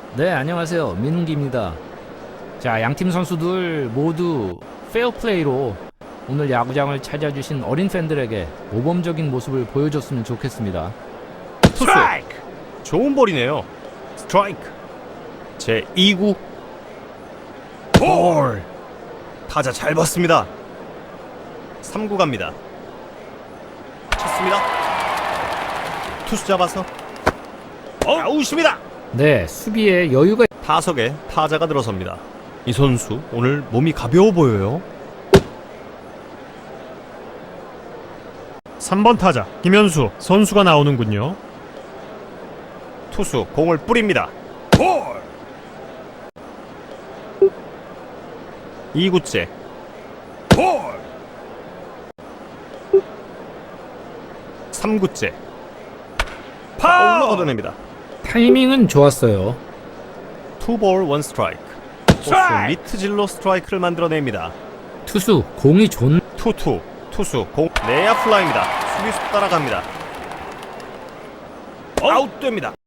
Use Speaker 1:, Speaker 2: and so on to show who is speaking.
Speaker 1: 네, 안녕하세요. 민웅기입니다. 자, 양팀 선수들 모두 페어플레이로 오늘 야구장을 찾아주신 어린 팬들에게 모범적인 모습을 보여줬으면 좋겠습니다.
Speaker 2: 스트라이크! 좋은 볼이네요. 스트라이크. 제 2구 볼! 타자 잘 봤습니다. 3구 갑니다. 쳤습니다. 투수 잡아서 아웃입니다.
Speaker 1: 네, 수비에 여유가
Speaker 2: 타석에 타자가 들어섭니다. 이 선수 오늘 몸이 가벼워 보여요.
Speaker 3: 3번 타자 김현수 선수가 나오는군요.
Speaker 2: 투수 공을 뿌립니다. 볼! 2구째 볼! 3구째 파울로 걷어냅니다.
Speaker 1: 타이밍은 좋았어요.
Speaker 2: 투볼 원 스트라이크. 투수 미트질로 스트라이크를 만들어냅니다.
Speaker 1: 투수 공이 좋은
Speaker 2: 투수 공 내야 플라이입니다. 수비수 따라갑니다. 아웃됩니다.